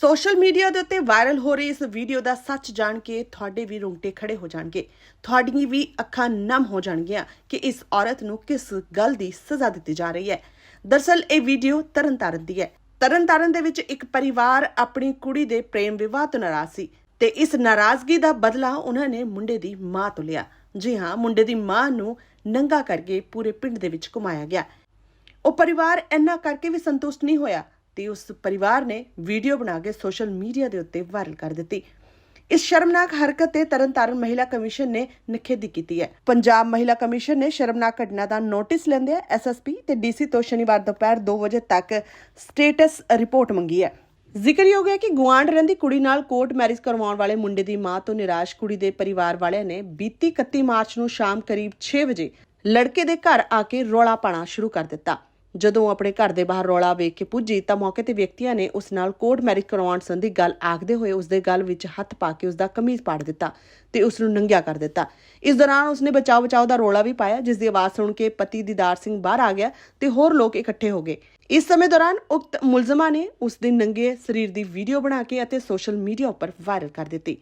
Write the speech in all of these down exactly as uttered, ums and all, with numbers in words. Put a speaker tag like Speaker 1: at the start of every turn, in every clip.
Speaker 1: Social media ਦੇ ਉੱਤੇ viral ਹੋ ਰਹੀ ਇਸ ਵੀਡੀਓ ਦਾ ਸੱਚ ਜਾਣ ਕੇ ਤੁਹਾਡੇ ਵੀ ਰੋਂਗਟੇ ਖੜੇ ਹੋ ਜਾਣਗੇ। ਤੁਹਾਡੀਆਂ ਵੀ ਅੱਖਾਂ ਨਮ ਹੋ ਜਾਣਗੀਆਂ ਕਿ ਇਸ ਔਰਤ ਨੂੰ ਕਿਸ ਗੱਲ ਦੀ ਸਜ਼ਾ ਦਿੱਤੀ ਜਾ ਰਹੀ ਹੈ। ਦਰਅਸਲ ਇਹ ਵੀਡੀਓ ਤਰਨਤਾਰਨ ਦੀ ਹੈ। ਤਰਨਤਾਰਨ ਦੇ ਵਿੱਚ ਇੱਕ ਪਰਿਵਾਰ ਆਪਣੀ ਕੁੜੀ ਦੇ ਪ੍ਰੇਮ ਵਿਵਾਹ ਤੋਂ ਨਾਰਾਜ਼ ਸੀ ਤੇ ਇਸ ਨਾਰਾਜ਼ਗੀ ਦਾ ਬਦਲਾ ਉਹਨਾਂ ਨੇ ਮੁੰਡੇ ਦੀ ਮਾਂ ਤੋਂ ਲਿਆ। ਜੀ ਹਾਂ, ਮੁੰਡੇ ਦੀ ਮਾਂ ਨੂੰ ਨੰਗਾ ਕਰਕੇ ਪੂਰੇ ਪਿੰਡ ਦੇ ਵਿੱਚ ਘੁਮਾਇਆ ਗਿਆ। ਉਹ ਪਰਿਵਾਰ ਇੰਨਾ ਕਰਕੇ ਵੀ ਸੰਤੁਸ਼ਟ ਨਹੀਂ ਹੋਇਆ ਤੇ ਉਸ ਪਰਿਵਾਰ ਨੇ ਵੀਡੀਓ ਬਣਾ ਕੇ ਸੋਸ਼ਲ ਮੀਡੀਆ ਦੇ ਉੱਤੇ ਵਾਇਰਲ ਕਰ ਦਿੱਤੀ। ਇਸ ਸ਼ਰਮਨਾਕ ਹਰਕਤ ਤੇ ਤਰਨਤਾਰਨ ਮਹਿਲਾ ਕਮਿਸ਼ਨ ਨੇ ਨਿਖੇਧੀ ਕੀਤੀ ਹੈ। ਪੰਜਾਬ ਮਹਿਲਾ ਕਮਿਸ਼ਨ ਨੇ ਸ਼ਰਮਨਾਕ ਘਟਨਾ ਦਾ ਨੋਟਿਸ ਲੈਂਦੇ ਐਸਐਸਪੀ ਤੇ ਡੀਸੀ ਤੋਂ ਸ਼ਨੀਵਾਰ ਦੁਪਹਿਰ ਦੋ ਵਜੇ ਤੱਕ ਸਟੇਟਸ ਰਿਪੋਰਟ ਮੰਗੀ ਹੈ। ਜ਼ਿਕਰਯੋਗ ਹੈ ਕਿ ਗੁਆਂਢ ਰਹਿੰਦੀ ਕੁੜੀ ਨਾਲ ਕੋਰਟ ਮੈਰਿਜ ਕਰਵਾਉਣ ਵਾਲੇ ਮੁੰਡੇ ਦੀ ਮਾਂ ਤੋਂ ਨਿਰਾਸ਼ ਕੁੜੀ ਦੇ ਪਰਿਵਾਰ ਵਾਲਿਆਂ ਨੇ ਬੀਤੀ ਇਕੱਤੀ ਮਾਰਚ ਨੂੰ ਸ਼ਾਮ ਕਰੀਬ ਛੇ ਵਜੇ ਲੜਕੇ ਦੇ ਘਰ ਆ ਕੇ ਰੌਲਾ ਪਾਣਾ ਸ਼ੁਰੂ ਕਰ ਦਿੱਤਾ। ਜਦੋਂ ਆਪਣੇ ਘਰ ਦੇ ਬਾਹਰ ਰੌਲਾ ਵੇਖ ਕੇ ਪੁੱਜੀ ਤਾਂ ਮੌਕੇ ਤੇ ਵਿਅਕਤੀਆਂ ਨੇ ਉਸ ਨਾਲ ਕੋਰਟ ਮੈਰਿਜ ਕਰਵਾਉਣ ਸੰਬੰਧੀ ਗੱਲ ਆਖਦੇ ਹੋਏ ਉਸ ਦੇ ਗਲ ਵਿੱਚ ਹੱਥ ਪਾ ਕੇ ਉਸ ਦਾ ਕਮੀਜ਼ ਪਾੜ ਦਿੱਤਾ ਤੇ ਉਸ ਨੂੰ ਨੰਗਿਆ ਕਰ ਦਿੱਤਾ। ਇਸ ਦੌਰਾਨ ਉਸਨੇ ਬਚਾਓ ਬਚਾਓ ਦਾ ਰੌਲਾ ਵੀ ਪਾਇਆ, ਜਿਸ ਦੀ ਆਵਾਜ਼ ਸੁਣ ਕੇ ਪਤੀ ਦੀਦਾਰ ਸਿੰਘ ਬਾਹਰ ਆ ਗਿਆ ਤੇ ਹੋਰ ਲੋਕ ਇਕੱਠੇ ਹੋ ਗਏ। ਇਸ ਸਮੇਂ ਦੌਰਾਨ ਉਕਤ ਮੁਲਜ਼ਮਾਂ ਨੇ ਉਸ ਦੇ ਨੰਗੇ ਸਰੀਰ ਦੀ ਵੀਡੀਓ ਬਣਾ ਕੇ ਅਤੇ ਸੋਸ਼ਲ ਮੀਡੀਆ ਉੱਪਰ ਵਾਇਰਲ ਕਰ ਦਿੱਤੀ।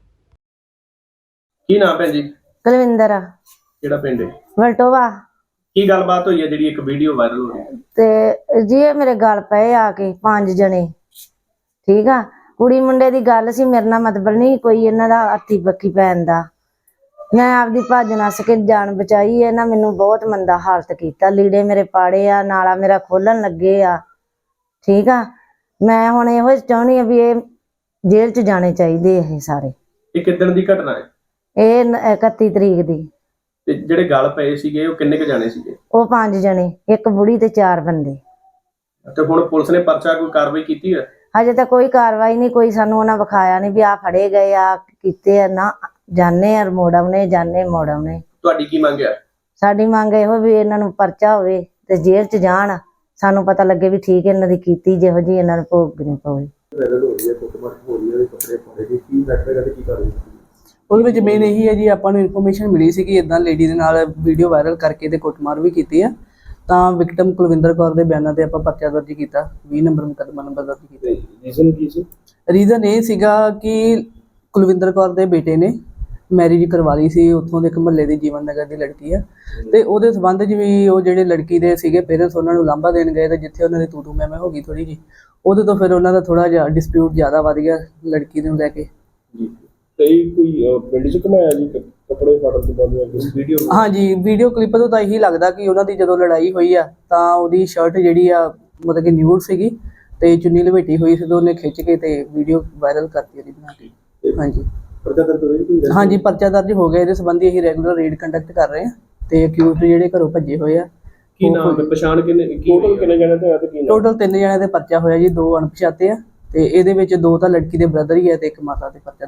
Speaker 2: ਕੀ ਨਾਮ ਹੈ ਜੀ?
Speaker 3: ਕੁਲਵਿੰਦਰ।
Speaker 2: ਕਿਹੜਾ ਪਿੰਡ ਹੈ?
Speaker 3: ਵਲਟੋਵਾ।
Speaker 2: ਕੀ ਗੱਲਬਾਤ ਹੋਈ ਹੈ ਜਿਹੜੀ ਇੱਕ ਵੀਡੀਓ ਵਾਇਰਲ ਹੋ ਰਹੀ ਹੈ?
Speaker 3: ਤੇ ਜੀ ਇਹ ਮੇਰੇ ਗੱਲ ਪਏ ਆ ਕੇ ਪੰਜ ਜਣੇ, ਠੀਕ ਆ। ਕੁੜੀ ਮੁੰਡੇ ਦੀ ਗੱਲ ਸੀ, ਮੇਰੇ ਨਾਲ ਮਤਲਬ ਨਹੀਂ ਕੋਈ ਇਹਨਾਂ ਦਾ ਹੱਥੀ ਬੱਕੀ ਪੈਣ ਦਾ। ਮੈਂ ਆਪਦੀ ਭੱਜ ਨੱਸ ਕੇ ਜਾਨ ਬਚਾਈ। ਇਹਨਾਂ ਮੈਨੂੰ ਬਹੁਤ ਮੰਦਾ ਹਾਲਤ ਕੀਤਾ, ਲੀੜੇ ਮੇਰੇ ਪਾੜੇ ਆ, ਨਾਲਾ ਮੇਰਾ ਖੋਲਣ ਲੱਗੇ ਆ, ਠੀਕ ਆ। ਮੈਂ ਹੁਣ ਇਹੋ ਚਾਹੁੰਦੀ ਆ ਵੀ ਇਹ ਜੇਲ੍ਹ ਚ ਜਾਣੇ ਚਾਹੀਦੇ ਇਹ ਸਾਰੇ।
Speaker 2: ਇਹ ਕਿੱਦਣ ਦੀ ਘਟਨਾ ਹੈ?
Speaker 3: ਇਹ ਇਕੱਤੀ ਤਰੀਕ ਦੀ।
Speaker 2: ਤੇ ਜਿਹੜੇ ਗੱਲ ਪਏ ਸੀਗੇ ਉਹ ਕਿੰਨੇ ਕ ਜਾਣੇ ਸੀਗੇ?
Speaker 3: ਉਹ ਪੰਜ ਜਣੇ, ਇੱਕ ਬੁੜੀ ਤੇ ਚਾਰ ਬੰਦੇ।
Speaker 2: ਤੇ ਹੁਣ ਪੁਲਿਸ ਨੇ ਪਰਚਾ ਕੋਈ ਕਾਰਵਾਈ ਕੀਤੀ ਹੈ?
Speaker 3: ਹਜੇ ਤਾਂ ਕੋਈ ਕਾਰਵਾਈ ਨਹੀਂ, ਕੋਈ ਸਾਨੂੰ ਉਹਨਾਂ ਵਿਖਾਇਆ ਨਹੀਂ ਵੀ ਆ ਫੜੇ ਗਏ ਆ ਕੀਤੇ ਆ। ਨਾ ਜਾਣੇ ਆ ਮੋੜਮ ਨੇ ਜਾਣੇ ਮੋੜਮ ਨੇ।
Speaker 2: ਤੁਹਾਡੀ ਕੀ ਮੰਗ ਹੈ?
Speaker 3: ਸਾਡੀ ਮੰਗ ਇਹੋ ਵੀ ਇਹਨਾਂ ਨੂੰ ਪਰਚਾ ਹੋਵੇ ਤੇ ਜੇਲ੍ਹ ਚ ਜਾਣ, ਸਾਨੂੰ ਪਤਾ ਲੱਗੇ ਵੀ ਠੀਕ ਇਹਨਾਂ ਦੀ ਕੀਤੀ ਜਿਹੋ ਜੀ ਇਹਨਾਂ ਨੂੰ ਭੋਗਣੀ ਪਵੇ।
Speaker 4: ਉਹਦੇ ਵਿੱਚ ਮੇਨ ਇਹੀ ਹੈ ਜੀ, ਆਪਾਂ ਨੂੰ ਇਨਫੋਰਮੇਸ਼ਨ ਮਿਲੀ ਸੀ ਕਿ ਇਦਾਂ ਲੇਡੀ ਦੇ ਨਾਲ ਵੀਡੀਓ ਵਾਇਰਲ ਕਰਕੇ ਤੇ ਕੁੱਟਮਾਰ ਵੀ ਕੀਤੀ ਆ। ਤਾਂ ਵਿਕਟਮ ਕੁਲਵਿੰਦਰ ਕੌਰ ਦੇ ਬਿਆਨਾਂ ਤੇ ਆਪਾਂ ਪਰਚਾ ਦਰਜ ਕੀਤਾ, ਵੀਹ ਨੰਬਰ ਮੁਕੱਦਮਾ ਨੰਬਰ ਦਰਜ ਕੀਤਾ।
Speaker 2: ਰੀਜ਼ਨ ਕੀ ਸੀ?
Speaker 4: ਰੀਜ਼ਨ ਇਹ ਸੀਗਾ ਕਿ ਕੁਲਵਿੰਦਰ ਕੌਰ ਦੇ ਬੇਟੇ ਨੇ ਮੈਰਿਜ ਕਰਵਾ ਲਈ ਸੀ, ਉੱਥੋਂ ਦੇ ਇੱਕ ਮੁਹੱਲੇ ਦੀ ਜੀਵਨ ਨਗਰ ਦੀ ਲੜਕੀ ਆ। ਤੇ ਉਹਦੇ ਸੰਬੰਧ 'ਚ ਵੀ ਉਹ ਜਿਹੜੇ ਲੜਕੀ ਦੇ ਸੀਗੇ ਪੇਰੈਂਟਸ ਉਹਨਾਂ ਨੂੰ ਲਾਂਭਾ ਦੇਣ ਗਏ ਤੇ ਜਿੱਥੇ ਉਹਨਾਂ ਦੀ ਤੂ ਤੂ ਮੈਂ ਮੈਂ ਹੋ ਗਈ ਥੋੜੀ ਜੀ, ਉਹਦੇ ਤੋਂ ਫਿਰ ਉਹਨਾਂ ਦਾ ਥੋੜਾ ਜਿਹਾ ਡਿਸਪਿਊਟ ਜ਼ਿਆਦਾ ਵੱਧ ਗਿਆ ਲੜਕੀ ਨੂੰ ਲੈ ਕੇ।
Speaker 2: ਤੇ ਕੋਈ ਪਿੰਡ 'ਚ ਘੁਮਾਇਆ ਜੀ ਕੱਪੜੇ ਫਾੜਨ ਤੋਂ ਬਾਅਦ ਵੀਡੀਓ?
Speaker 4: ਹਾਂਜੀ, ਵੀਡੀਓ ਕਲਿੱਪ ਤੋਂ ਤਾਂ ਇਹੀ ਲੱਗਦਾ ਕਿ ਉਹਨਾਂ ਦੀ ਜਦੋਂ ਲੜਾਈ ਹੋਈ ਆ ਤਾਂ ਉਹਦੀ ਸ਼ਰਟ ਜਿਹੜੀ ਆ ਮਤਲਬ ਕਿ ਨਿਊਡ ਸੀਗੀ ਤੇ ਚੁੰਨੀ ਲਪੇਟੀ ਹੋਈ ਸੀ ਤੇ ਉਹਨੇ ਖਿੱਚ ਕੇ ਤੇ ਵੀਡੀਓ ਵਾਇਰਲ ਕਰਤੀ ਉਹਦੀ ਬਣਾ ਕੇ। ਹਾਂਜੀ
Speaker 2: ਪਰਚਾ ਦਰਜ ਹੋਇਆ?
Speaker 4: ਹਾਂਜੀ, ਪਰਚਾ ਦਰਜ ਹੋ ਗਿਆ। ਇਹਦੇ ਸੰਬੰਧੀ ਅਸੀਂ ਰੈਗੂਲਰ ਰੇਡ ਕੰਡਕਟ ਕਰ ਰਹੇ ਹਾਂ ਤੇ ਅਕਿਊਜ਼ਡ ਜਿਹੜੇ ਘਰੋਂ ਭੱਜੇ ਹੋਏ ਆ।
Speaker 2: ਕੀ ਨਾਮ ਹੈ? ਪਛਾਣ ਕਿੰਨੇ ਟੋਟਲ ਕਿੰਨੇ ਜਣੇ ਤੇ ਆ ਤੇ ਕੀ ਨਾਮ?
Speaker 4: ਟੋਟਲ ਤਿੰਨ ਜਣਿਆਂ ਦੇ ਪਰਚਾ ਹੋਇਆ ਜੀ, ਦੋ ਅਣਪਛਾਤੇ ਆ ਤੇ ਇਹਦੇ ਵਿੱਚ ਦੋ ਤਾਂ ਲੜਕੀ ਦੇ ਬ੍ਰਦਰ ਹੀ ਆ ਤੇ ਇੱਕ ਮਾਤਾ ਦੇ ਪਰਚਾ।